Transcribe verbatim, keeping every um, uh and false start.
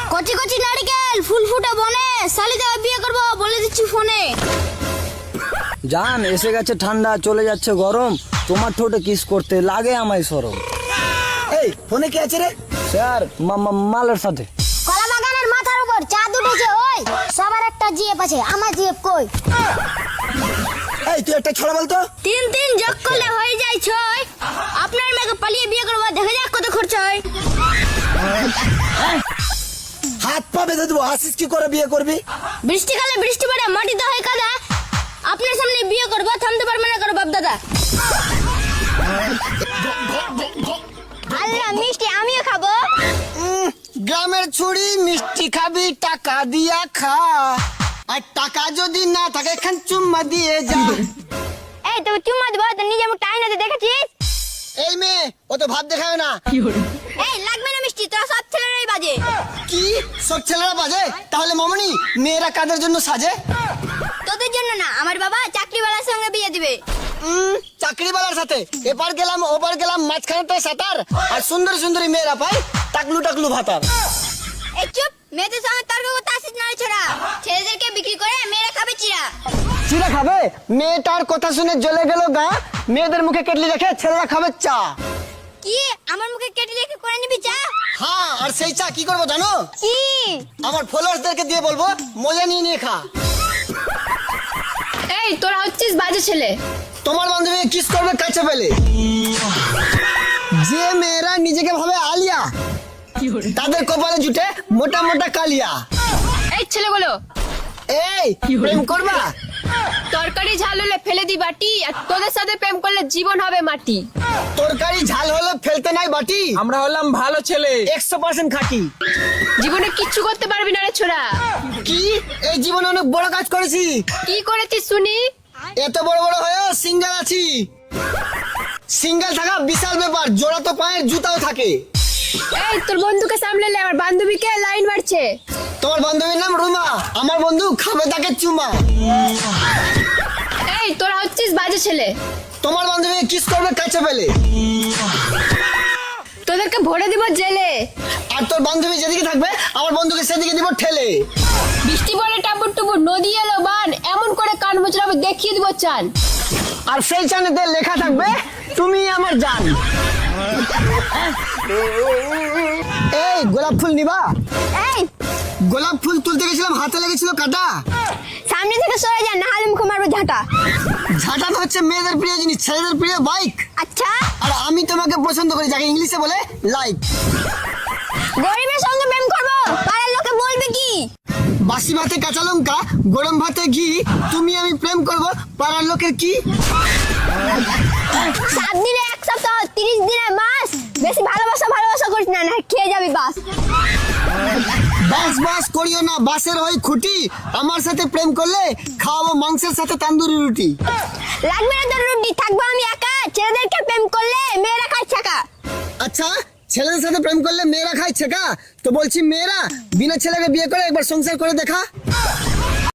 কচি কচি নারকেল ফুল ফুটে বনে, শালিতে বিয়ে করবো বলে দিচ্ছি ফোনে। জান এসে গেছে ঠান্ডা, চলে যাচ্ছে গরম, তোমার ঠোঁটে কিস করতে লাগে আমায় শরম। এই ফোনে কি আছে রে? স্যার মা- মা- মালের সাথে। কলা বাগানের মাথার উপর চাঁদ উঠেছে, ওই সবার একটা জিএফ আছে, আমার জিএফ কই? এই তুই একটা ছড়া বলতো। তিন তিন যোগ করলে হয়ে যায় ছয়, আপনার মেয়েকে পালিয়ে বিয়ে করবো, দেখা যাক কত খরচা হয়। হাত পা বেঁধে দেবো, হাসিস কি করে বিয়ে করবি? বৃষ্টিকালে বৃষ্টি পড়ে মাটিতে হয় কাদা, আপনার সামনে বিয়ে করবো, থামতে পারবে না করো বাপ দাদা। আল্লাহ মিষ্টি আমিও খাবো। গ্রামের ছুরি মিষ্টি খাবি টাকা দিয়া খা, আর টাকা যদি না থাকে এখান চুম্মা দিয়ে যা। এই তুমি চুম্মা দিবো তো নিজে মুখ টাইনাতে দেখেছিস? এই মেয়ে ও তো ভাব দেখাবে না। এই লাগবে না মিষ্টি, তোরা সব ছেলেরাই বাজে। কি সব ছেলেরা বাজে? তাহলে মামনি মেয়েরা কাদের জন্য সাজে? তোদের জন্য না, আমার বাবা চাকরিওয়ালার সঙ্গে বিয়ে দিবে। উম, চাকরিওয়ালার সাথে এপার গেলাম ওপার গেলাম, মাঝখানে সাঁতার, আর সুন্দর সুন্দরী মেয়েরা পাই টাকলু টাকলু ভাতার। এই চুপ, মেয়েদের সঙ্গে তর্ক করতে আসিস না রে ছোড়া, ছেলেদেরকে বিক্রি করে মেয়েরা খাবে চিরা। চিরা খাবে? মেয়েটার কথা শুনে জ্বলে গেল গা, মেয়েদের মুখে কেটলি রেখে ছেলেরা খাবে চা। কি আমার মুখে কেটে রেখে করে নিবি চা? হ্যাঁ, আর সেই চা কি করবো জানো? কি? আমার ফলোয়ার্সদেরকে দিয়ে বলবো মজা নিয়ে নিয়ে খা। এই তোরা হচ্ছিস বাজে ছেলে। তোমার বান্ধবী কিস করবে কাছে পেলে? যে মেয়েরা নিজেকে ভাবে আলিয়া, তাদের কপালে জুটে মোটা মোটা কালিয়া। এই ছেলেগুলো এই প্রেম করবা? তরকারি ঝাল হলে ফেলে দি বাটি, আর তোদের সাথে প্রেম করলে জীবন হবে মাটি। তরকারি ঝাল হলে ফেলতে নাই বাটি, আমরা হলাম ভালো ছেলে। একশো পার্সেন্ট খাঁটি। জীবনে কিচ্ছু করতে পারবি না রে ছোড়া। কি এই জীবনে অনেক বড় কাজ করেছি, কি করেছিস শুনি? এত বড় বড় হয়েও সিঙ্গেল আছি। সিঙ্গেল থাকা বিশাল ব্যাপার, জোড়া তো পায়ের জুতাও থাকে। এই তোর বন্ধুকে সামলালে আমার বান্ধবীকে লাইন মারছে। তোমার বান্ধবীর নাম রুমা, আমার বন্ধু খাবে তাকে চুমা। এই তোরা হচ্ছিস বাজে ছেলে। তোমার বান্ধবী কিস করবে কাছে পেলে? তোদেরকে ভরে দিব জেলে। আর তোর বান্ধবী যেদিকে থাকবে আমার বন্ধুকে সেদিকে দিব ঠেলে। বৃষ্টি পড়ে টাপুর টুপুর, নদী এলো বান, এমন করে কান মুচড়াবো দেখিয়ে দিব চান। আর সেই চানেতে লেখা থাকবে তুমি আমার জান। এই গোলাপ ফুল নিবা? এই গোলাপ ফুল তুলতে গেছিলাম, হাতে লেগেছিল কাটা। সামনে থেকে সরে যা, না হলে মুখে মারবো ঝাঁটা। ঝাঁটা তো হচ্ছে মেয়েদের প্রিয় জিনিস, ছেলেদের প্রিয় বাইক। আচ্ছা, আর আমি তোমাকে পছন্দ করি, যাকে ইংলিশে বলে লাইক। গরিবের সঙ্গে প্রেম করবো, পাড়ার লোকে বলবে কি? বাসি ভাতে কাঁচা লঙ্কা, গরম ভাতে ঘি, তুমি আমি প্রেম করব, পাড়ার লোকের কি? সাত দিনে এক সপ্তাহ, তিরিশ দিনে মাস, বেশি ভালোবাসা ভালোবাসা করিস না, না খেয়ে যাবি বাস। বাস বাস করিও না, বাসের ওই খুঁটি, আমার সাথে প্রেম করলে খাওয়াবো মাংসের সাথে তান্দুরি রুটি। লাগবে না তোর রুটি, থাকবো আমি একা, ছেলেদেরকে প্রেম করলে মেয়েরা খায় ছাকা। আচ্ছা, ছেলেদের সাথে প্রেম করলে মেয়েরা খায় ছেকা, তো বলছি মেয়েরা বিনা ছেলেকে বিয়ে করে একবার সংসার করে দেখা।